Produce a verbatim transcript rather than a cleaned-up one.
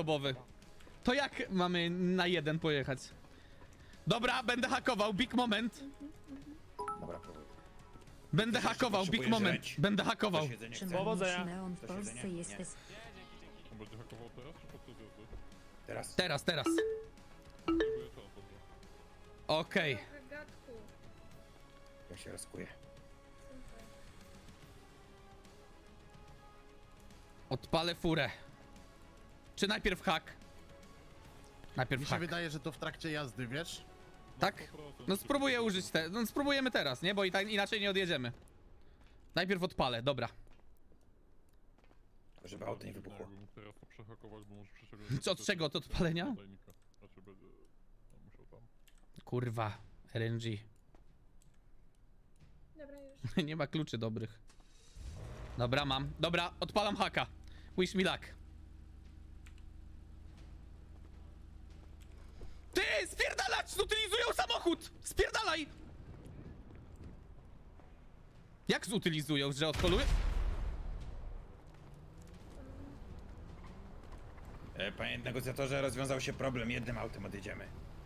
osobowy. To jak mamy na jeden pojechać? Dobra, będę hakował, big moment. Dobra, próbuj. Będę Ktoś jeszcze hakował, big potrzebuje moment. żreć? Będę hakował. Ktoś jedzenie chce? Powodzenia. Szymon, w Do Polsce siedzenia? jesteś... On będzie hakował teraz, czy podczas jazdy? Teraz? Teraz, teraz. Próbuję czas, dobrze. Okej. Gagatku. Ja się rozkuję. Odpalę furę. Czy najpierw hak? Najpierw Mi się hak. wydaje, że to w trakcie jazdy, wiesz? Tak? No spróbuję użyć te... No spróbujemy teraz, nie? Bo i tak inaczej nie odjedziemy. Najpierw odpalę, dobra. Żeby auto nie wybuchło. Jakbym mógł teraz to przehakować, bo może przeciągnąć... Co, od czego? Od odpalenia? Nadajnika. Znaczy będzie... No, musiał tam. Kurwa, R N G. Dobra, już. Nie ma kluczy dobrych. Dobra, mam. Dobra, odpalam haka. Wish me luck. Ty, spierdalać! Zutylizują samochód! Spierdalaj! Jak zutylizują, że odpaluje? E, panie negocjatorze, rozwiązał się problem. Jednym autem odjedziemy.